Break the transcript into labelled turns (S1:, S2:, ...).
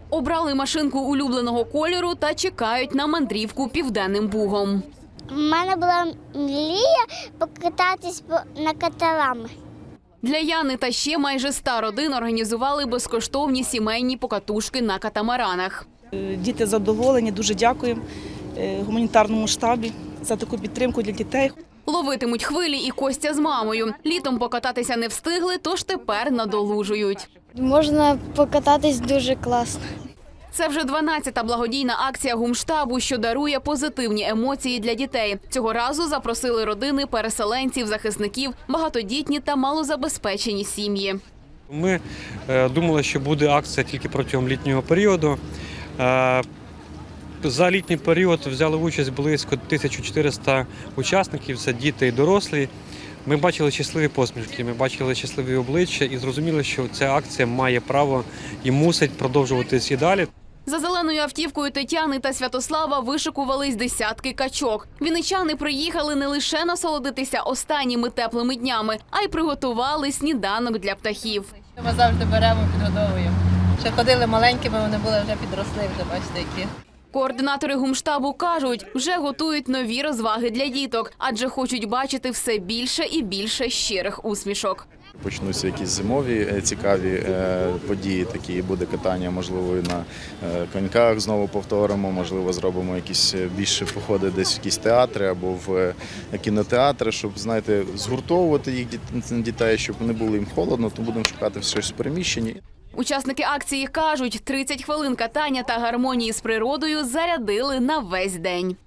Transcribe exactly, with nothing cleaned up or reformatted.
S1: Обрали машинку улюбленого кольору та чекають на мандрівку Південним Бугом.
S2: У мене була мрія покататись на каталами.
S1: Для Яни та ще майже ста родин організували безкоштовні сімейні покатушки на катамаранах.
S3: Діти задоволені, дуже дякуємо гуманітарному штабі за таку підтримку для дітей.
S1: Ловитимуть хвилі і Костя з мамою. Літом покататися не встигли, тож тепер надолужують.
S2: Можна покататись дуже класно.
S1: Це вже дванадцята благодійна акція гумштабу, що дарує позитивні емоції для дітей. Цього разу запросили родини переселенців, захисників, багатодітні та малозабезпечені сім'ї.
S4: Ми е, думали, що буде акція тільки протягом літнього періоду. Е, за літній період взяли участь близько тисяча чотириста учасників, це діти і дорослі. Ми бачили щасливі посмішки, ми бачили щасливі обличчя і зрозуміли, що ця акція має право і мусить продовжуватись і далі.
S1: За зеленою автівкою Тетяни та Святослава вишикувались десятки качок. Вінничани приїхали не лише насолодитися останніми теплими днями, а й приготували сніданок для птахів.
S5: Ми завжди беремо, підгодовуємо. Ще ходили маленькими, вони були вже підросли, вже бачите, які.
S1: Координатори гумштабу кажуть, вже готують нові розваги для діток, адже хочуть бачити все більше і більше щирих усмішок.
S6: Почнуться якісь зимові цікаві події, такі буде катання, можливо, і на коньках знову повторимо, можливо, зробимо якісь більше походи десь в якісь театри або в кінотеатри, щоб, знаєте, згуртовувати їх дітей, щоб не було їм холодно, то будемо шукати щось в переміщенні.
S1: Учасники акції кажуть, тридцять хвилин катання та гармонії з природою зарядили на весь день.